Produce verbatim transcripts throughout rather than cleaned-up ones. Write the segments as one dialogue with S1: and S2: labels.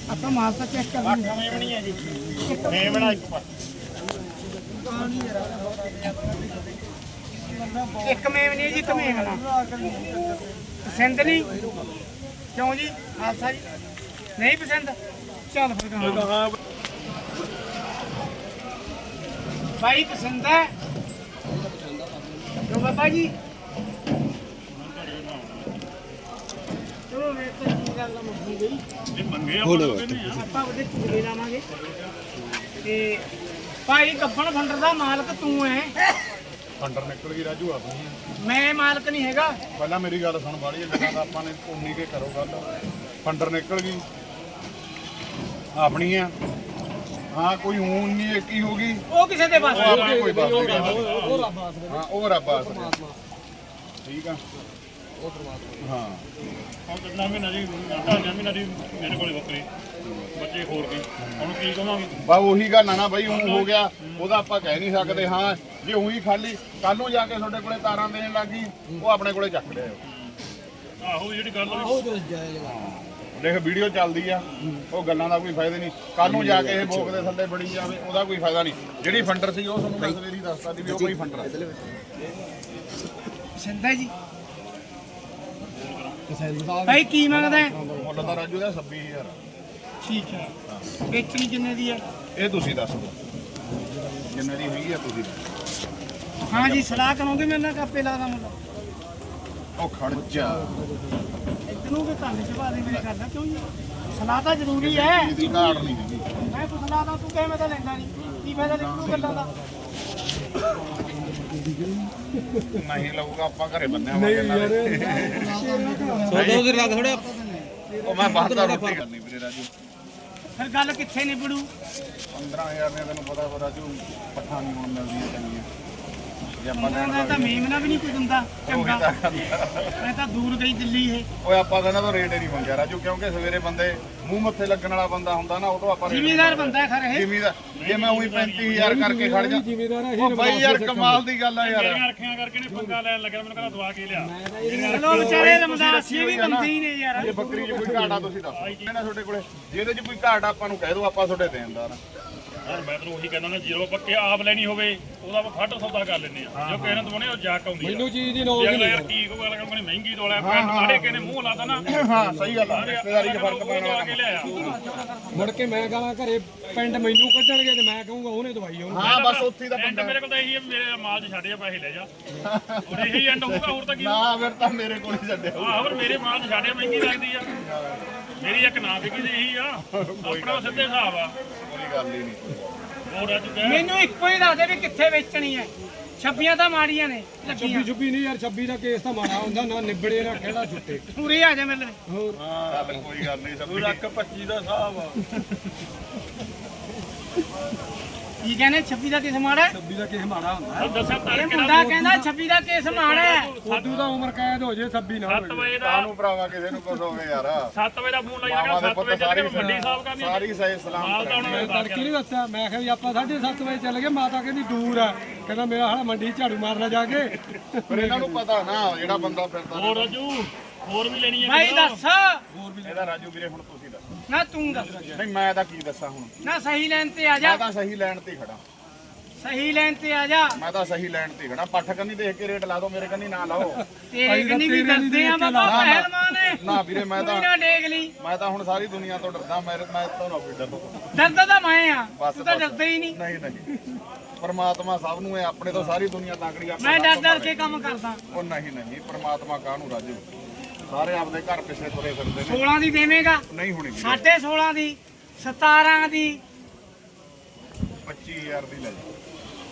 S1: ਆਪਾਂ ਮਾਲ ਤਾਂ ਚੈੱਕ ਕਰ ਲਈ
S2: ਮੇਵਣੀ ਹੈ ਜੀ ਮੇਵਣਾ ਇੱਕ ਪਾ
S1: ਇੱਕ ਮੇਵਣੀ ਜੀ ਇੱਕ ਮੇਵਣਾ ਪਸੰਦ ਨਹੀਂ ਕਿਉਂ ਜੀ ਆਸਾ ਜੀ ਨਹੀਂ ਪਸੰਦ ਚੱਲ ਫਿਰ ਕਹਾਂ ਭਾਈ ਪਸੰਦ ਹੈ ਲੋ ਬਾਬਾ ਜੀ ਚਲੋ ਮੇਰੇ ਤੋਂ ਕੀ ਗੱਲ ਮੁੱਕੀ ਗਈ
S2: ਇਹ ਮੰਗੇ ਆਪਾਂ
S1: ਆਪਾਂ ਉਹਦੇ ਚੁਗਲੇ ਲਾਵਾਂਗੇ ਤੇ ਭਾਈ ਗੱਬਣ ਫੰਡਰ ਦਾ ਮਾਲਕ ਤੂੰ ਐ
S2: ਫੰਡਰ ਨਿਕਲ ਗਈ ਰਾਜੂ ਆਪਣੀ
S1: ਮੈਂ ਮਾਲਕ ਨਹੀਂ ਹੈਗਾ
S2: ਪਹਿਲਾਂ ਮੇਰੀ ਗੱਲ ਸੁਣ ਬਾੜੀ ਇਹਨਾਂ ਦਾ ਆਪਾਂ ਨੇ ਉਨੀ ਕੇ ਕਰੋ ਗੱਲ ਫੰਡਰ ਨਿਕਲ ਗਈ ਆਪਣੀ ਆ ਹਾਂ ਕੋਈ ਹੁਣ ਨਹੀਂ ਇੱਕ ਹੀ ਹੋ ਗਈ
S1: ਉਹ ਕਿਸੇ ਦੇ ਪਾਸ
S2: ਉਹ ਆਪਣੀ ਕੋਈ ਬਾਤ ਨਹੀਂ ਉਹ ਰੱਬ ਆਸਰੇ ਹਾਂ ਉਹ ਰੱਬ ਆਸਰੇ ਠੀਕ ਆ ਉਹ ਪਰਮਾਤਮਾ ਹਾਂ
S3: ਹੁਣ ਕਿੰਨਾ ਮਹੀਨਾ ਜੀ ਢਾਈਆਂ ਮਹੀਨਾ ਦੀ ਮੇਰੇ ਕੋਲੇ ਬੱਕਰੀ ਬੱਚੇ ਹੋਰ ਗਈ ਹੁਣ ਕੀ ਕਵਾਂਗੇ
S2: ਬਾ ਉਹੀ ਗੱਲ ਆ ਨਾ ਬਾਈ ਹੁਣ ਹੋ ਗਿਆ ਉਹਦਾ ਆਪਾਂ ਕਹਿ ਨਹੀਂ ਸਕਦੇ ਹਾਂ ਜੇ ਉਹੀ ਖਾਲੀ ਕੱਲ ਨੂੰ ਜਾ ਕੇ ਤੁਹਾਡੇ ਕੋਲੇ ਤਾਰਾਂ ਦੇਣ ਲੱਗੀ ਉਹ ਆਪਣੇ ਕੋਲੇ ਚੱਕ ਲਿਆ
S3: ਆਹੋ ਜਿਹੜੀ ਗੱਲ
S1: ਉਹ ਤੇ ਜਾਇਜ਼
S2: ਦੇਖ ਵੀਡੀਓ ਚੱਲਦੀ ਆ ਉਹ ਗੱਲਾਂ ਦਾ ਕੋਈ ਫਾਇਦਾ ਨਹੀਂ ਕੱਲ ਨੂੰ ਜਾ ਕੇ ਇਹ ਭੋਗ ਦੇ ਥੱਲੇ ਬੜੀ ਜਾਵੇ ਉਹਦਾ ਕੋਈ ਫਾਇਦਾ ਨਹੀਂ ਜਿਹੜੀ ਫੰਡਰ ਸੀ ਉਹ ਤੁਹਾਨੂੰ ਮੈਂ ਸਵੇਰੀ ਦੱਸਦਾ ਸੀ ਵੀ ਉਹ ਕੋਈ ਫੰਡਰ ਆ
S1: ਸਿੰਦਾ ਜੀ ਭਾਈ ਕੀ ਮੰਗਦਾ ਹੈ?
S2: ਮੁੱਲ ਤਾਂ ਰਾਜੂ ਦਾ ਛੱਬੀ ਹਜ਼ਾਰ
S1: ਠੀਕ ਹੈ ਵੇਚਣੀ ਕਿੰਨੇ ਦੀ ਹੈ
S2: ਇਹ ਤੁਸੀਂ ਦੱਸ ਦਿਓ ਜਿੰਨੇ ਦੀ ਹੈਗੀ ਆ ਤੁਸੀਂ ਦੱਸੋ।
S1: ਹਾਂ ਜੀ ਸਲਾਹ ਕਰੋਗੇ ਮੇਰੇ ਨਾਲ ਕਾਪੇ ਲਾਦਾ ਮੁੰਡਾ
S2: ਉਹ ਖੜ ਜਾ
S1: ਇਤਨੂੰ ਵੀ ਕੰਨ ਚਵਾ ਦੇ ਮੇਰੇ ਕਰਦਾ ਕਿਉਂ ਜੀ ਸਲਾਹ ਤਾਂ ਜ਼ਰੂਰੀ ਹੈ
S2: ਇਹਦੀ ਘਾੜ ਨਹੀਂ ਹੈਗੀ
S1: ਮੈਂ ਕੁਛ ਸਲਾਹ ਤੂੰ ਕਹੇ ਮੈਂ ਤਾਂ ਲੈਂਦਾ ਨਹੀਂ ਕੀ ਫਾਇਦਾ ਨਿਕਲੂ ਗੱਲਾਂ ਦਾ
S2: ਨਹੀਂ ਲਊਗਾ ਆਪਾਂ ਘਰੇ ਬੰਨਿਆ ਹੋਵਾਂਗੇ ਨਾਲੇ
S4: ਸੌਦਾ ਉਧਰ ਲੱਗ ਥੋੜਾ
S2: ਉਹ ਮੈਂ ਬਾਹਰ ਦਾ ਰੋਟੀ ਕਰਨੀ ਵੀਰੇ ਰਾਜੂ
S1: ਫਿਰ ਗੱਲ ਕਿੱਥੇ ਨਿਬੜੂ
S2: ਪੰਦਰਾਂ ਹਜ਼ਾਰ ਨੇ ਤੈਨੂੰ ਪਤਾ ਵਾ ਰਾਜੂ ਪੱਠਾ ਨਹੀਂ ਹੁਣ ਮਿਲਦੀਆਂ ਚੰਗੀਆਂ ਜੇ ਆਪਾਂ ਲੈਣ
S1: ਮੈਂ ਤਾਂ ਮੇਮਨਾ ਵੀ ਨਹੀਂ ਕੋਈ ਦਿੰਦਾ ਚੰਗਾ
S2: ਉਹੀ ਤਾਂ ਗੱਲ ਆ।
S1: ਮੈਂ ਤਾਂ ਦੂਰ ਗਈ ਦਿੱਲੀ ਇਹ
S2: ਓਏ ਆਪਾਂ ਤਾਂ ਇਹਨਾਂ ਤੋਂ ਰੇਟ ਹੀ ਨਹੀਂ ਮੰਗਿਆ ਰਾਜੂ ਕਿਉਂਕਿ ਸਵੇਰੇ ਬੰਦੇ ਮੂੰਹ ਮੱਥੇ ਲੱਗਣ ਵਾਲਾ ਬੰਦਾ ਹੁੰਦਾ ਨਾ ਉਹ ਤੋਂ ਆਪਾਂ
S1: ਜ਼ਿਮੀਦਾਰ ਬੰਦਾ ਖਰ ਇਹ
S2: ਜ਼ਿਮੀਦਾਰ ਜੇ ਮੈਂ ਉਹੀ ਪੈਂਤੀ ਹਜ਼ਾਰ ਕਰਕੇ ਖੜ ਜਾ ਉਹ ਬਾਈ ਯਾਰ ਕਮਾਲ ਦੀ ਗੱਲ ਆ ਯਾਰ
S3: ਮੇਰੀਆਂ ਰੱਖੀਆਂ ਕਰਕੇ ਨੇ ਪੰਗਾ ਲੈਣ ਲੱਗਿਆ ਮੈਨੂੰ ਕਹਿੰਦਾ ਦਵਾ ਕੇ ਲਿਆ
S1: ਚਲੋ ਵਿਚਾਰੇ ਰਮਦਾਸੀ ਵੀ ਬੰਦੇ ਹੀ ਨੇ ਯਾਰ
S2: ਇਹ ਬੱਕਰੀ 'ਚ ਕੋਈ ਘਾਟਾ ਤੁਸੀਂ ਦੱਸੋ ਇਹਨਾਂ ਤੁਹਾਡੇ ਕੋਲੇ ਜਿਹਦੇ 'ਚ ਕੋਈ ਘਾਟ ਆਪਾਂ ਨੂੰ ਕਹਿ ਦਿਓ ਆਪਾਂ ਤੁਹਾਡੇ ਦੇਣਦਾਰ
S3: ਯਾਰ ਮੈਂ ਤੈਨੂੰ ਉਹੀ ਕਹਿੰਦਾ ਨਾ ਜੀਰੋ ਪੱਕੇ ਆਪ ਲੈਣੀ ਹੋਵੇ ਉਹਦਾ ਆਪਾਂ ਫੱਟ ਸੌਦਾ ਕਰ ਲੈਂਦੇ ਆ ਜੋ ਕਿਸੇ ਨੇ ਦਵਾਉਣੇ ਉਹ ਜਾਕ ਆਉਂਦੀ ਆ
S4: ਮੈਨੂੰ ਚੀਜ਼ ਦੀ
S3: ਜੇ
S4: ਨੌਲੇਜ
S3: ਅਗਲਾ ਯਾਰ ਕੀ ਕਹੂਗਾ ਅਗਲਾ ਕਹਿੰਦਾ ਮਹਿੰਗੀ ਦੋਲਾ ਪਿੰਡ ਮਾੜੇ ਕਿਸੇ ਨੇ ਮੂੰਹ ਲਾਤਾ ਨਾ
S2: ਹਾਂ ਸਹੀ ਗੱਲ ਆ ਰਿਸ਼ਤੇਦਾਰੀ 'ਚ ਫਰਕ ਪੈਣ
S3: ਦਵਾ
S2: ਵਾਲਾ
S3: ਕੇ ਲਿਆਇਆ
S4: ਮੁੜ ਕੇ ਮੈਂ ਗਾਲਾਂ ਘਰੇ ਪਿੰਡ ਮੈਨੂੰ ਕੱਢਣਗੇ ਤੇ ਮੈਂ ਕਹੂੰਗਾ ਉਹਨੇ ਦਵਾਈ ਉਹਨੂੰ
S2: ਹਾਂ ਬਸ ਉੱਥੇ ਦਾ
S3: ਐਂਡ
S2: ਬੰਦਾ
S3: ਮੇਰੇ ਕੋਲ ਤਾਂ ਇਹੀ ਹੈ ਵੀ ਮੇਰੇ ਮਾਲ 'ਚ ਛੱਡ ਜਾ ਪੈਸੇ ਲੈ ਜਾ ਹੁਣ ਇਹੀ ਐਂਡ ਹੋਊਗਾ ਹੋਰ ਤਾਂ ਕੀ
S2: ਨਾ ਫਿਰ ਤਾਂ ਮੇਰੇ ਕੋਲ ਹੀ ਛੱਡਿਓ
S3: ਆਹ ਹੋਰ ਮੇਰੇ ਮਾਲ 'ਚ ਛੱਡਿਆ ਮਹਿੰਗੀ ਲੱਗਦੀ ਆ ਮੇਰੀ ਇੱਕ ਨਾ ਵਿਕੀ ਤੇ ਇਹੀ ਆ ਆਪਣਾ ਸਿੱਧੇ ਹਿਸਾਬ ਆ
S2: ਕੋਈ ਗੱਲ ਹੀ ਨਹੀਂ
S3: ਹੋਰ ਅੱਜ ਕਹਿ
S1: ਮੈਨੂੰ ਇੱਕੋ ਹੀ ਦੱਸ ਦੇ ਵੀ ਕਿੱਥੇ ਵੇਚਣੀ ਹੈ ਛੱਬੀਆਂ ਤਾਂ ਮਾੜੀਆਂ ਨੇ ਲੱਗੀਆਂ
S4: ਛੱਬੀ ਛੁੱਬੀ ਨਹੀਂ ਯਾਰ ਛੱਬੀ ਦਾ ਕੇਸ ਤਾਂ ਮਾੜਾ ਹੁੰਦਾ ਨਾ ਨਿਬੜੇ ਨਾ ਖੇੜਾ ਛੁੱਟੇ
S1: ਪੂਰੇ ਆ ਜਾ ਮੇਰੇ ਲਈ
S4: ਹੋਰ
S2: ਚੱਲ ਕੋਈ ਗੱਲ ਨਹੀਂ ਸਭ ਲੱਖ
S3: ਪੱਚੀ ਦਾ ਹਿਸਾਬ ਆ
S1: ਕੀ ਕਹਿੰਦੇ ਛੱਬੀ ਦਾ ਕਿਸ ਮਾੜਾ ਹੈ?
S4: ਛੱਬੀ ਦਾ ਕੇਸ ਮਾੜਾ ਹੁੰਦਾ
S3: ਦੱਸਿਆ
S1: ਇਹ
S3: ਤੜਕੇ
S1: ਮੁੰਡਾ ਕਹਿੰਦਾ ਛੱਬੀ ਦਾ ਕੇਸ ਮਾੜਾ ਹੈ
S4: ਫੋਟੂ ਦਾ ਉਮਰ ਕੈਦ ਹੋ ਜੇ ਛੱਬੀ ਨਾ
S3: ਸੱਤ ਵਜੇ ਦਾ
S2: ਕਾਹਨੂੰ ਭਰਾਵਾ ਕਿਸੇ ਨੂੰ ਕੁਝ ਹੋਵੇ ਯਾਰ
S3: ਸੱਤ ਵਜੇ ਦਾ ਫੋਨ ਲਾਈ
S2: ਮਾਮਾ
S3: ਜਾਣਾ
S2: ਦੇ
S3: ਸੱਤ
S2: ਪੁੱਤ
S3: ਵਜੇ ਚੱਲ
S2: ਸਾਰੀ
S3: ਕੇ ਮੰਡੀ ਸਾਹਿਬ ਕਰਨੀ
S2: ਸਾਰੀ ਸਹੀ ਸਲਾਮ
S3: ਮਾਲ ਤਾਂ ਹੁਣ
S4: ਮੈਂ ਤੜਕੀ ਨਹੀਂ ਦੱਸਿਆ ਮੈਂ ਕਿਹਾ ਵੀ ਆਪਾਂ ਸਾਢੇ ਸੱਤ ਵਜੇ ਚੱਲ ਗਏ ਮਾਤਾ ਕਹਿੰਦੀ ਦੂਰ ਆ ਕਹਿੰਦਾ ਮੇਰਾ ਹਾਲਾ ਮੰਡੀ ਝਾੜੂ ਮਾਰਨਾ ਜਾ ਕੇ
S2: ਪਰ ਇਹਨਾਂ ਨੂੰ ਪਤਾ ਨਾ ਜਿਹੜਾ ਬੰਦਾ ਫਿਰਦਾ
S3: ਹੋਰ ਰਾਜੂ ਹੋਰ ਵੀ ਲੈਣੀ ਹੈ
S1: ਭਾਈ ਦੱਸ
S2: ਇਹਦਾ ਰਾਜੂ ਵੀਰੇ ਹੁਣ ਤੁਸੀਂ ਦੱਸੋ
S1: ਨਾ ਤੂੰ ਦੱਸ
S2: ਨਹੀਂ ਮੈਂ ਤਾਂ ਕੀ ਦੱਸਾਂ ਹੁਣ
S1: ਨਾ ਸਹੀ ਲਾਈਨ ਤੇ ਆ ਜਾ
S2: ਮੈਂ ਤਾਂ ਸਹੀ ਲੈਣ ਤੇ ਹੀ ਖੜਾ
S1: ਸਹੀ ਲਾਈਨ ਤੇ ਆ ਜਾ
S2: ਮੈਂ ਤਾਂ ਸਹੀ ਲੈਣ ਤੇ ਹੀ ਖੜਾ ਪੱਠ ਕੰਨੀ ਦੇਖ ਕੇ ਰੇਟ ਲਾ ਦਿਓ ਮੇਰੇ ਕੰਨੀ ਨਾ ਲਾਓ
S1: ਤੇਰੇ ਕੰਨੀ ਵੀ ਦੱਸਦੇ ਆ ਬਾਬਾ
S2: ਨਾ, ਨਾ।
S1: ਪਹਿਲਵਾਨ ਨੇ
S2: ਨਾ ਵੀਰੇ ਮੈਂ ਤਾਂ
S1: ਕੋਈ ਨਾ ਡੇਗ ਲਈ
S2: ਮੈਂ ਤਾਂ ਹੁਣ ਸਾਰੀ ਦੁਨੀਆ ਤੋਂ ਡਰਦਾ ਮੈਂ ਮੈਂ ਤਾਂ ਨਾ ਕੋਈ ਡਰਦਾ
S1: ਡਰਦਾ ਤਾਂ ਮੈਂ ਆ
S2: ਬਸ
S1: ਤੂੰ ਤਾਂ
S2: ਬਸ।
S1: ਡਰਦਾ ਹੀ ਨਹੀਂ
S2: ਨਹੀਂ ਨਹੀਂ ਪਰਮਾਤਮਾ ਸਭ ਨੂੰ ਹੈ ਆਪਣੇ ਤੋਂ ਸਾਰੀ ਦੁਨੀਆ ਤਾਕੜੀ ਆਪਾਂ
S1: ਮੈਂ
S2: ਸਭ
S1: ਡਰ
S2: ਤੋਂ
S1: ਡਰ
S2: ਮਾੜੇ।
S1: ਕੇ ਕੰਮ ਕਰਦਾ
S2: ਉਹ ਨਹੀਂ ਨਹੀਂ ਪਰਮਾਤਮਾ ਕਾਹਨੂੰ ਰਾਜੂ ਸਾਰੇ ਆਪਦੇ ਘਰ ਪਿੱਛੇ ਤੁਰੇ ਫਿਰਦੇ ਨੇ
S1: ਸੋਲਾਂ ਦੀ ਦੇਵੇਂਗਾ
S2: ਨਹੀਂ ਹੋਣੀ ਵੀਰੇ।
S1: ਸਾਢੇ ਸੋਲਾਂ ਦੀ ਸਤਾਰਾਂ ਦੀ
S2: ਪੱਚੀ ਹਜ਼ਾਰ ਦੀ ਲੈ ਜਾ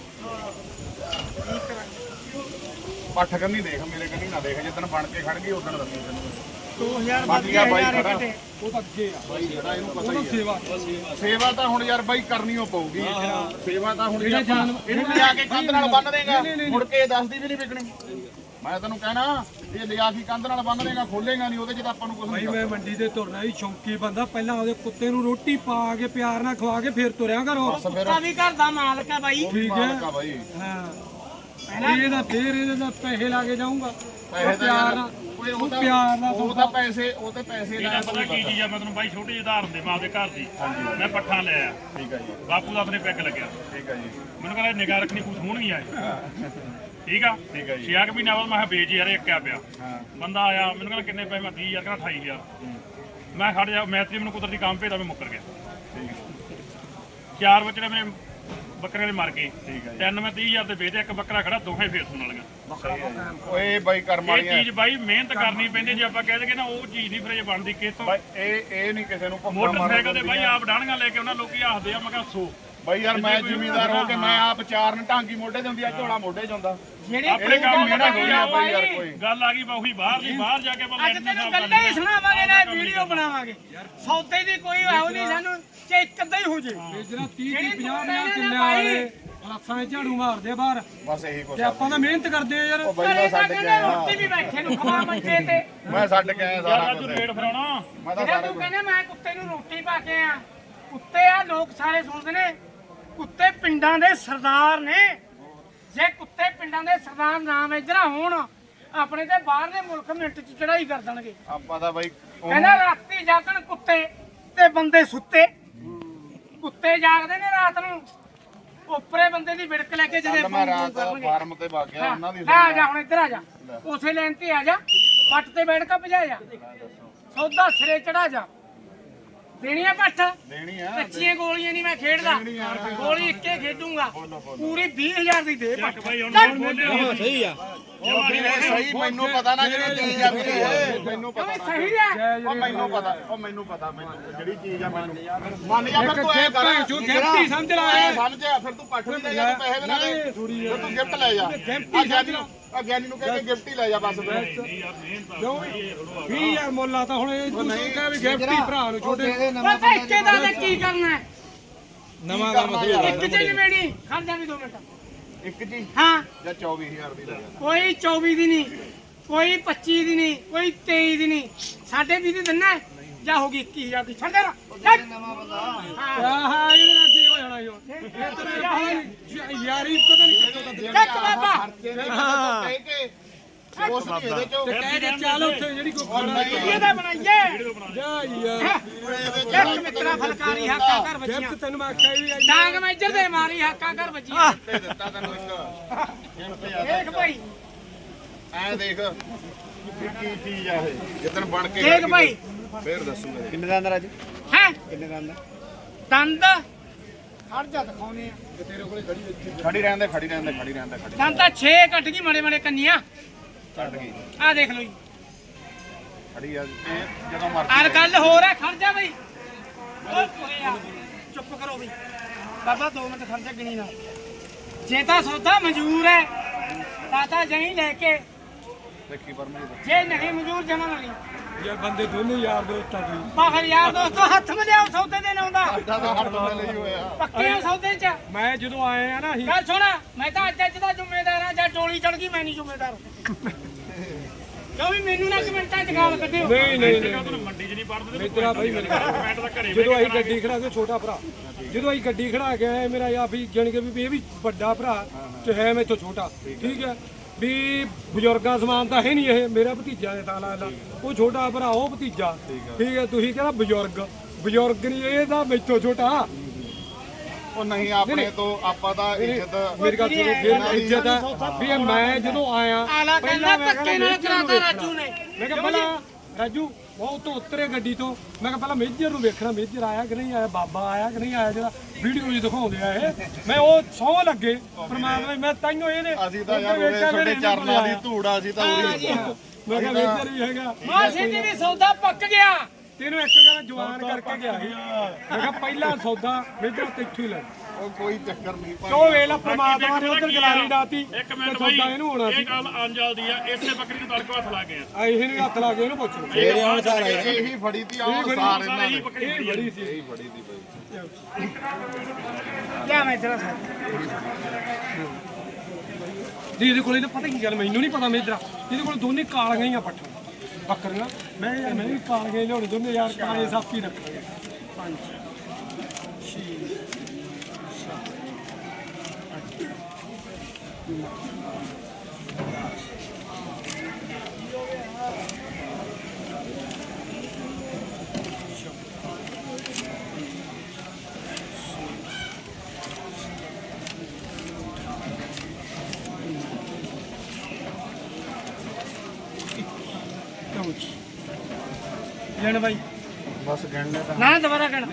S2: ਪੱਠ ਕੰਨੀ ਦੇਖ ਮੇਰੇ ਕੰਨੀ ਨਾ ਦੇਖ ਜਿੱਦਣ ਬਣ ਕੇ ਖੜ ਗਈ ਉਦੋਂ ਦੱਸੀ ਤੈਨੂੰ
S1: ਦੋ ਹਜ਼ਾਰ
S2: ਬਾਕੀ ਆ ਬਾਈ
S1: ਹਜ਼ਾਰ
S2: ਖੜਾ।
S1: ਘਟੇ।
S4: ਉਹ ਤਾਂ ਅੱਗੇ ਆ
S2: ਬਾਈ ਜਿਹੜਾ ਇਹਨੂੰ ਪਤਾ
S4: ਉਹ
S2: ਹੀ ਹੈ
S4: ਸੇਵਾ
S2: ਸੇਵਾ ਤਾਂ ਹੁਣ ਯਾਰ ਬਾਈ ਕਰਨੀ ਓ ਪਊਗੀ ਸੇਵਾ ਤਾਂ ਹੁਣ ਜੇ
S4: ਜਿਹੜੇ
S2: ਆਪਾਂ
S4: ਜਾਨ-
S2: ਇਹਨੂੰ ਲਿਆ ਕੇ ਕੰਧ ਨਾਲ ਬੰਨ ਦੇਗਾ ਮੁੜ ਕੇ ਇਹ ਦੱਸਦੀ ਵੀ ਨਹੀਂ ਵਿਕਣੀ ਮੈਂ ਤੈਨੂੰ ਕਹਿਣਾ ਇਹ ਲਿਆ ਕੇ ਕੰਧ ਨਾਲ ਬੰਨ ਦੇਗਾ ਖੋਲੇਗਾ ਨਹੀਂ ਉਹਦੇ ਚ ਤਾਂ ਆਪਾਂ ਨੂੰ ਕੁਝ
S4: ਭਾਈ
S2: ਨਹੀਂ
S4: ਮੈਂ ਮੰਡੀ ਤੇ ਤੁਰਨਾ ਹੀ ਸ਼ੌਂਕੀ ਬੰਦਾ ਪਹਿਲਾਂ ਉਹਦੇ ਕੁੱਤੇ ਨੂੰ ਰੋਟੀ ਪਾ ਕੇ ਪਿਆਰ ਨਾਲ ਖਵਾ ਕੇ ਫਿਰ ਤੁਰਿਆ ਕਰੋ
S2: ਬਸ ਫਿਰ
S1: ਕੁੱਤਾ ਵੀ ਘਰ ਦਾ ਮਾਲਕ ਹੈ ਬਾਈ
S2: ਉਹ ਵੀ ਮਾਲਕ ਆ ਬਾਈ
S4: ਹਾਂ ਇਹਦਾ ਫੇਰ ਇਹਦੇ ਦਾ ਪੈਸੇ ਲਾ ਕੇ ਜਾਊਂਗਾ
S2: ਪੈਸੇ ਤਾਂ
S4: ਪਿਆਰ
S2: ਯਾਰ
S4: ਨਾਲ
S2: ਓਏ ਉਹ
S4: ਉਹ
S2: ਤਾਂ
S4: ਪਿਆਰ ਨਾਲ
S2: ਉਹ ਤਾਂ ਪੈਸੇ ਉਹ ਤੇ ਪੈਸੇ
S3: ਇਹਦਾ
S2: ਲਾਇਆ
S3: ਪਤਾ ਕੀ ਚੀਜ਼ ਆ ਮੈਂ ਤੈਨੂੰ ਬਾਈ ਛੋਟੀ ਜਿਹੀ ਉਦਾਹਰਨ ਦੇ ਮਾਂ ਦੇ ਘਰ ਦੀ ਮੈਂ ਪੱਠਾ ਲਿਆ
S2: ਠੀਕ ਹੈ ਜੀ
S3: ਬਾਪੂ ਦਾ ਆਪਣੇ ਪੈਗ ਲੱਗਿਆ
S2: ਠੀਕ ਹੈ ਜੀ
S3: ਮੈਨੂੰ ਕਹਿੰਦਾ ਨਿਗਾਹ ਰੱਖਣੀ ਕੁਝ ਹੋਣਗੀਆਂ ਇਹ ਠੀਕ ਆ
S2: ਠੀਕ ਹੈ ਜੀ।
S3: ਛੇ ਕੁ ਮਹੀਨਾ ਬਾਅਦ ਮੈਂ ਕਿਹਾ ਵੇਚ ਯਾਰ ਇੱਕ ਆ ਪਿਆ
S2: ਹਾਂ
S3: ਬੰਦਾ ਆਇਆ ਮੈਨੂੰ ਕਹਿੰਦਾ ਕਿੰਨੇ ਪੈਸੇ ਮੈਂ ਤੀਹ ਹਜ਼ਾਰ ਕਹਿੰਦਾ ਅਠਾਈ ਹਜ਼ਾਰ ਮੈਂ ਖੜ ਜਾ ਮੈਤਰੀ ਮੈਨੂੰ ਕੁਦਰਤੀ ਕੰਮ ਭੇਜਦਾ ਮੈਂ ਮੁੱਕਰ ਗਿਆ
S2: ਠੀਕ ਹੈ
S3: ਚਾਰ ਬੱਚੇ ਮੇਰੇ ਬੱਕਰੇ ਦੇ ਮਰ ਗਏ
S2: ਠੀਕ ਹੈ ਜੀ।
S3: ਤਿੰਨ ਮੈਂ ਤੀਹ ਹਜ਼ਾਰ ਦੇ ਵੇਚੇ ਇੱਕ ਬੱਕਰਾ ਖੜਾ ਦੋਹੇ ਫੇਰ ਸੁਣ ਵਾਲੀਆਂ
S2: ਓਏ ਬਾਈ ਕਰਮ
S3: ਇਹ
S2: ਵਾਲੀਆਂ
S3: ਚੀਜ਼ ਬਾਈ ਮਿਹਨਤ ਕਰਨੀ ਪੈਂਦੀ ਜੇ ਆਪਾਂ ਕਹਿ ਦਈਏ ਨਾ ਉਹ ਚੀਜ਼ ਨਹੀਂ ਫਿਰ ਇਹ ਬਣਦੀ ਕਿਤੋਂ
S2: ਬਾਈ ਇਹ ਇਹ ਨਹੀਂ ਕਿਸੇ ਨੂੰ ਭੁੱਖਾ
S3: ਮੋਟਰਸਾਈਕਲ ਤੇ
S2: ਮਾਰਨਾ
S3: ਬਾਈ ਆਪ ਡਾਣੀਆਂ ਲੈ ਕੇ ਉਹਨਾਂ ਲੋਕੀ ਹੱਸਦੇ ਆ ਮੈਂ ਕਿਹਾ ਸੋ
S2: ਬਾਈ ਯਾਰ ਮੈਂ ਜ਼ਿਮੀਂਦਾਰ ਹੋ ਕੇ ਮੈਂ ਆਪ ਚਾਰਨ ਢਾਂਗੀ ਮੋਢੇ ਤੇ ਹੁੰਦੀ ਆ ਝੋਲਾ ਮੋਢੇ 'ਚ ਹੁੰਦਾ
S1: ਜਿਹੜੀ
S3: ਆਪਣੇ ਕੰਮ
S2: ਮੇਰਾ ਥੋੜੀ ਆ ਬਾਈ ਯਾਰ ਕੋਈ
S3: ਗੱਲ ਆ ਗਈ ਬਾਹੀ ਬਾਹਰ ਦੀ ਬਾਹਰ ਜਾ ਕੇ ਆਪਾਂ
S1: ਅੱਜ ਤੈਨੂੰ ਗੱਲਾਂ ਹੀ ਸੁਣਾਵਾਂਗੇ ਨਾ ਵੀਡੀਓ ਬਣਾਵਾਂਗੇ ਸੌਦੇ ਦੀ ਕੋਈ ਆਉ ਨਹੀਂ ਸਾਨੂੰ ਜੇ ਇੱਕ ਅੱਧਾ ਹੀ ਹੋ ਜੇ
S4: ਜਿਹੜਾ ਤੀਹ ਤੀਹ ਪੰਜਾਹ ਪੰਜਾਹ ਕਿੱਲੇ ਵਾਲੇ ਲੱਖਾਂ ਦੇ ਝਾੜੂ ਮਾਰਦੇ ਆ ਬਾਹਰ
S2: ਬਸ ਇਹੀ ਕੁਛ
S4: ਤੇ ਆਪਾਂ ਤਾਂ ਮਿਹਨਤ ਕਰਦੇ ਆ ਯਾਰ
S2: ਉਹ ਬਾਈ
S1: ਘਰੇ
S2: ਮੈਂ
S1: ਤਾਂ
S2: ਛੱਡ ਕੇ
S1: ਕਹਿੰਦੇ
S2: ਆਇਆ
S1: ਰੋਟੀ ਵੀ ਬੈਠੇ ਨੂੰ ਖਵਾ ਮੰਜੇ ਤੇ
S2: ਮੈਂ ਛੱਡ ਕੇ ਆਇਆ
S3: ਯਾਰ
S2: ਸਾਰਾ
S3: ਅੱਜ
S2: ਕੁਝ
S3: ਰੇਟ ਫਰਾਉਣਾ
S2: ਮੈਂ ਤਾਂ
S1: ਜਿਹੜਾ
S2: ਸਾਰਾ
S1: ਤੂੰ
S2: ਕੁਝ
S1: ਕਹਿੰਦਾ ਮੈਂ ਕੁੱਤੇ ਨੂੰ ਰੋਟੀ ਪਾ ਕੇ ਆ ਕੁੱਤੇ ਆ ਲੋਕ ਸਾਰੇ ਸੁਣਦੇ ਨੇ ਕੁੱਤੇ ਪਿੰਡਾਂ ਦੇ ਸਰਦਾਰ ਨੇ ਜੇ ਕੁੱਤੇ ਪਿੰਡਾਂ ਦੇ ਸਰਦਾਰ ਨਾਮ ਇਧਰ ਹੋਣ ਆਪਣੇ ਤੇ ਬਾਹਰਲੇ ਮੁਲਕ ਮਿੰਟ ਚ ਚੜਾਈ ਕਰ ਦੇਣਗੇ
S2: ਆਪਾਂ ਤਾਂ ਬਾਈ ਉਹ-
S1: ਕਹਿੰਦਾ ਰਾਤੀ ਜਾਗਣ ਕੁੱਤੇ ਤੇ ਬੰਦੇ ਸੁੱਤੇ ਕੁੱਤੇ ਜਾਗਦੇ ਨੇ ਰਾਤ ਨੂੰ ਉੱਪਰੇ ਬੰਦੇ ਦੀ ਵਿੜਕ ਲੈ ਕੇ ਜਦੇ
S2: ਕੱਲ੍ਹ ਮੈਂ ਰਾਤ ਫਾਰਮ ਤੇ ਵਗ ਗਿਆ ਉਹਨਾਂ ਦੀ
S1: ਆ ਜਾ ਹੁਣ ਇੱਧਰ ਆ ਜਾ ਉਸੇ ਲਾਈਨ ਤੇ ਆ ਜਾ ਪੱਟ ਤੇ ਬੈਠ ਕੇ ਭਜਾ ਜਾ ਸੌਦਾ ਸਿਰੇ ਚੜਾ ਜਾ ਦੇਣੀ ਆ ਪੱਠ
S2: ਦੇਣੀ ਆ
S1: ਕੱਚੀਆਂ ਗੋਲੀਆਂ ਨਹੀਂ ਮੈਂ ਖੇਡਦਾ ਗੋਲੀ ਇੱਕੇ ਖੇਡੂੰਗਾ ਪੂਰੀ ਵੀਹ ਹਜ਼ਾਰ ਦੀ ਦੇ ਪੱਠ
S3: ਬਾਈ ਹੁਣ ਹੁਣ ਬੋਲਿਆ
S4: ਸਹੀ ਆ
S2: ਉਹ ਵੀਰੇ ਸਹੀ ਮੈਨੂੰ ਪਤਾ ਨਾ ਜਿਹੜੀ ਚੀਜ਼ ਆ ਵੀਰੇ ਇਹ ਮੈਨੂੰ ਪਤਾ
S1: ਕਿਉਂ ਸਹੀ ਹੈ
S2: ਉਹ ਮੈਨੂੰ ਪਤਾ ਉਹ ਮੈਨੂੰ ਪਤਾ ਮੈਨੂੰ ਜਿਹੜੀ ਚੀਜ਼ ਆ ਮੈਨੂੰ ਮੰਨ ਜਾ ਫਿਰ ਤੂੰ ਐ ਕਰ
S4: ਜੋ ਗਿਫਟੀ ਸਮਝ ਲਾ
S2: ਐ ਸਮਝਿਆ ਫਿਰ ਤੂੰ ਪੱਠ ਵੀ ਲੈ ਜਾ ਤੂੰ ਪੈਸੇ ਵੀ ਨਾ ਦੇ ਫਿਰ ਤੂੰ ਗਿਫਟ ਲੈ ਜਾ ਆ ਗਿਆਨੀ ਨੂੰ ਆ ਗਿਆਨੀ ਨੂੰ ਕਹਿ ਕੇ ਗਿਫਟ ਹੀ ਲੈ ਜਾ ਬਸ
S4: ਵੀ ਯਾਰ ਮੁੱਲਾ ਤਾਂ ਹੁਣ ਇਹ ਤੂੰ ਕਹੇ ਵੀ ਗਿਫਟੀ ਭਰਾ ਨੂੰ ਛੋਟੇ
S1: ਉਹ ਤਾਂ ਇੱਕੇ ਦਾ ਤੇ ਕੀ ਕਰਨਾ ਹੈ?
S2: ਨਵਾਂ ਕੰਮ
S1: ਇੱਕ ਚ ਨਿਬੇੜੀ ਖੜ ਜਾ ਵੀ ਦੋ ਮਿੰਟ
S2: ਇੱਕ ਜੀ
S1: ਹਾਂ
S2: ਜਾਂ ਚੌਵੀ ਹਜ਼ਾਰ ਦੀ ਲੈ ਜਾ
S1: ਕੋਈ ਚੌਵੀ ਦੀ ਨਹੀਂ ਕੋਈ ਪੱਚੀ ਦੀ ਨਹੀਂ ਕੋਈ ਤੇਈ ਦੀ ਨਹੀਂ ਸਾਡੇ ਵੀਹ ਦੀ ਦਿੰਨਾ ਹੈ? ਜਾਂ ਹੋ ਗਈ ਇੱਕੀ ਹਜ਼ਾਰ ਦੀ ਛੱਡ ਦੇ ਨਾ ਛੱਡ। ਹਾਂ
S4: ਆਹਾ ਇਹਦੇ ਨਾਲ ਕੀ ਹੋ ਜਾਣਾ ਯੋ ਇਹ ਤੇਰੇ ਯਾਰੀ ਪਤਾ ਨਹੀਂ ਕਿੱਥੋਂ ਦਾ ਦੇ
S1: ਚੱਕ ਬਾਬਾ
S2: ਕਹਿ ਕੇ ਉਸ ਨਹੀਂ ਇਹਦੇ ਚੋਂ
S4: ਤੇ ਕਹਿ ਕੇ ਚੱਲ ਉੱਥੇ ਜਿਹੜੀ ਕੋਈ ਖਾਣਾ
S1: ਇਹਦਾ ਬਣਾਈਏ
S4: ਜਾ ਯਾਰ
S1: ਇੱਕ ਮਿੱਤਰਾ ਫਲਕਾਰੀ ਹਾਕਾ ਕਰ
S4: ਗਿਫਟ
S1: ਵੱਜੀਆਂ
S4: ਤੈਨੂੰ ਮੈਂ ਆਖਿਆ ਵੀ ਆਈ
S1: ਡਾਂਗ ਮੈਂ ਇੱਧਰ ਦੇ ਮਾਰੀ ਹਾਕਾ ਕਰ ਵੱਜੀਆਂ
S2: ਤੇ ਦਿੱਤਾ ਤੈਨੂੰ ਇੱਕ ਗਿਫਟ ਯਾਰ
S1: ਦੇਖ ਭਾਈ
S2: ਐ ਦੇਖ ਵੀ ਕੀ ਚੀਜ਼ ਆ ਇਹ ਜਿੱਦਣ ਬਣ ਕੇ
S1: ਦੇਖ ਭਾਈ
S2: ਫੇਰ ਦੱਸੂਗਾ
S5: ਕਿੰਨੇ ਦਾ ਅੰਦਰ ਅੱਜ
S1: ਹੈ
S5: ਕਿੰਨੇ ਦਾ ਅੰਦਰ
S1: ਦੰਦ ਖੜ ਜਾ ਦਿਖਾਉਨੇ ਆ
S2: ਖੜੀ ਰਹਿਣ ਦੇ ਖੜੀ ਰਹਿਣ ਦੇ ਖੜੀ ਰਹਿਣ ਦੇ ਖੜੀ
S1: ਦੰਦ ਤਾਂ ਛੇ ਕੱਟ ਗਈ ਮੜੇ ਮੜੇ ਕੰਨੀਆਂ
S2: ਛੱਡ ਗਈ
S1: ਆ ਦੇਖ ਲਓ ਜੀ
S2: ਖੜੀ ਆ ਇਹ ਜਦੋਂ ਮਰਜ਼ੀ
S1: ਆਰ ਗੱਲ ਹੋਰ ਹੈ ਖੜ ਜਾ ਬਈ ਓਏ ਪੂਰੇ ਆ ਚੁੱਪ ਕਰੋ ਬਈ ਬਾਬਾ ਦੋ ਮਿੰਟ ਖੜ ਜਾ ਗਿਣੀ ਨਾ ਜੇ ਤਾਂ ਸੌਦਾ ਮਨਜ਼ੂਰ ਹੈ ਤਾਂ ਤਾਂ ਜਹੀਂ ਲੈ ਕੇ
S2: ਦੇਖੀ ਪਰਮਜੀਤ
S1: ਜੇ ਨਹੀਂ ਮਨਜ਼ੂਰ ਜਮਾ ਨਾ ਲਈ
S4: ਯਾਰ ਬੰਦੇ ਦੋਨੇ ਯਾਰ ਦੋਸਤਾਂ ਦੀ
S1: ਬਾਹਰ ਯਾਰ ਦੋਸਤੋ ਹੱਥ ਮਿਲਿਆਓ ਸੌਦੇ ਦੇ ਲਾਉਂਦਾ
S2: ਸਾਡਾ ਤਾਂ ਹੱਥ ਨਾਲ ਲਈ ਹੋਇਆ
S1: ਪੱਕੇ ਆ ਸੌਦੇ ਚ
S4: ਮੈਂ ਜਦੋਂ ਆਏ ਆ ਨਾ ਅਸੀਂ
S1: ਗੱਲ ਸੁਣ ਮੈਂ ਤਾਂ ਅੱਜ ਅੱਜ ਦਾ ਜ਼ਿੰਮੇਦਾਰ ਆ ਜਾਂ ਟੋਲੀ ਚੜ ਗਈ ਮੈਂ ਨਹੀਂ ਜ਼ਿੰਮੇਦਾਰ ਕਿਉਂ ਵੀ ਮੈਨੂੰ ਨਾ ਕਮੈਂਟਾਂ ਚ ਗਾਲ ਕੱਢਿਓ
S4: ਨਹੀਂ ਨਹੀਂ ਨਹੀਂ
S3: ਤੁਹਾਨੂੰ ਮੰਡੀ 'ਚ ਨਹੀਂ ਪੜਦੇ
S4: ਮਿੱਤਰਾ ਭਾਈ ਮੇਰੇ
S3: ਕਮੈਂਟ ਤਾਂ ਘਰੇ
S4: ਜਦੋਂ ਅਸੀਂ ਗੱਡੀ ਖੜਾ ਕੇ ਛੋਟਾ ਭਰਾ ਜਦੋਂ ਅਸੀਂ ਗੱਡੀ ਖੜਾ ਕੇ ਆਏ ਮੇਰਾ ਯਾ ਵੀ ਜਾਣੀ ਕਿ ਵੀ ਇਹ ਵੀ ਵੱਡਾ ਭਰਾ ਤੇ ਹੈ ਮੈਥੋਂ ਛੋਟਾ ਠੀਕ ਹੈ ਵੀ ਬਜ਼ੁਰਗਾਂ ਸਮਾਨ ਤਾਂ ਹੈ ਨਹੀਂ ਇਹ ਮੇਰਾ ਭਤੀਜਾ ਦੇ ਤਾਂ ਲੱਗਦਾ ਉਹ ਛੋਟਾ ਭਰਾ ਉਹ ਭਤੀਜਾ ਠੀਕ ਹੈ ਤੁਸੀਂ ਕਹਿੰਦਾ ਬਜ਼ੁਰਗ ਬਜ਼ੁਰਗ ਨਹੀਂ ਇਹਦਾ ਮੈਥੋਂ ਛੋਟਾ
S2: ਉਹ ਨਹੀਂ ਆਪਣੇ ਤੋਂ ਆਪਾਂ ਤਾਂ ਇੱਜ਼ਤ
S4: ਮੇਰੀ ਗੱਲ ਸੁਣੋ ਫਿਰ ਇੱਜ਼ਤ ਹੈ ਵੀ ਇਹ ਮੈਂ ਜਦੋਂ ਆਇਆ
S1: ਆਲਾ ਕਹਿੰਦਾ
S4: ਮੈਂ
S1: ਧੱਕੇ ਨਾਲ ਕਰਾਤਾ ਰਾਜੂ ਨੇ
S4: ਮੈਂ ਕਿਹਾ ਪਹਿਲਾਂ ਰਾਜੂ ਉਹ ਤੋਂ ਉਤਰੇ ਗੱਡੀ ਤੋਂ ਮੈਂ ਕਿਹਾ ਪਹਿਲਾਂ ਮੇਜਰ ਨੂੰ ਵੇਖਣਾ ਮੇਜਰ ਆਇਆ ਕਿ ਨਹੀਂ ਆਇਆ ਬਾਬਾ ਆਇਆ ਕਿ ਨਹੀਂ ਆਇਆ ਜਿਹੜਾ ਵੀਡੀਓ 'ਚ ਦਿਖਾਉਂਦੇ ਆ ਇਹ ਮੈਂ ਉਹ ਸੌ ਲੱਗੇ ਪਰਮਾਤਮਾ ਮੈਂ ਤਾਈਓ ਇਹਨੇ
S2: ਅਸੀਂ ਤਾਂ ਯਾਰ ਉਹਦੇ ਸਾਡੇ ਚਰਨਾਂ ਦੀ ਧੂੜਾ ਅਸੀਂ ਤਾਂ ਉਰੀ
S4: ਮੈਂ ਕਿਹਾ ਮੇਜਰ ਵੀ ਹੈਗਾ
S1: ਮਾਂ ਸਿੱਧੀ ਵੀ ਸੌਦਾ ਪੱਕ ਗਿਆ
S4: ਤੈਨੂੰ ਇੱਕ ਗੱਲ ਜਵਾਨ ਕਰਕੇ ਗਿਆ ਸੀ ਮੈਂ ਕਿਹਾ ਪਹਿਲਾ ਸੌਦਾ ਮੇਜਰ ਤੇ ਇੱਥੋਂ ਹੀ ਲੈ
S2: ਉਹ ਕੋਈ ਚੱਕਰ ਨਹੀਂ ਭਾਈ
S4: ਉਹ ਵੇਲਾ ਪਰਮਾਤਮਾ ਨੇ ਉਧਰ ਗਲਾਰੀ ਡਾਤੀ
S3: ਇੱਕ
S4: ਤੇ
S3: ਮਿੰਟ ਬਾਈ
S4: ਸੌਦਾ ਇਹਨੂੰ ਹੋਣਾ ਸੀ
S3: ਇਹ ਗੱਲ ਅੰਜਲ ਦੀ ਆ ਇਸੇ ਬੱਕਰੀ ਨੂੰ ਤੜਕਾ ਹੱਥ ਲਾ ਗਏ ਆ
S4: ਆ ਇਹ ਨੂੰ ਹੱਥ ਲਾ ਕੇ ਇਹਨੂੰ ਪੁੱਛ ਲਓ
S5: ਤੇਰੇ ਹੁਣ ਸਾਰਾ
S2: ਇਹੀ ਫੜੀ ਤੀ ਆਹ ਸਾਰ ਇਹਨਾਂ ਨੇ
S3: ਬੱਕਰੀ
S4: ਇਹ ਬੜੀ ਸੀ
S2: ਇਹੀ ਫੜੀ ਤੀ ਭਾਈ
S1: ਲਿਆ ਮੈਂ ਤੇਰਾ ਸਾਥ
S4: ਜੀ ਇਹਦੇ ਕੋਲੇ ਤਾਂ ਪਤਾ ਕੀ ਗੱਲ ਮੈਨੂੰ ਨਹੀਂ ਪਤਾ ਮੇਜਰਾ ਇਹਦੇ ਕੋਲ ਦੋਨੇ ਕਾਲੀਆਂ ਹੀ ਆ ਪੱਠਾਂ ਬੱਕਰੀਆਂ ਮੈਂ ਯਾਰ ਮੈਂ ਵੀ ਕਾਲੀਆਂ ਹੀ ਲਿਆਉਣੇ ਦੋਨੇ ਯਾਰ ਕਾਲੇ ਸਾਫੀ ਰੱਖਾਂਗੇ ਪੰਜ ਛੇ ਸੱਤ ਅੱਠ
S1: ਲਓ ਜੀ ਲੈਣ ਬਾਈ
S2: ਬਸ ਗਿਣ ਲੈ ਤਾਂ
S1: ਨਾ ਦੁਬਾਰਾ ਕਹਿਣਾ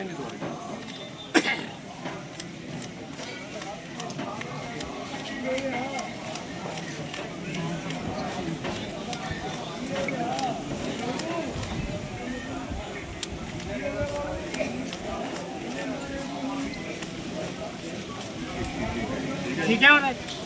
S1: ਠੀਕ ਹੈ ਹੁਣ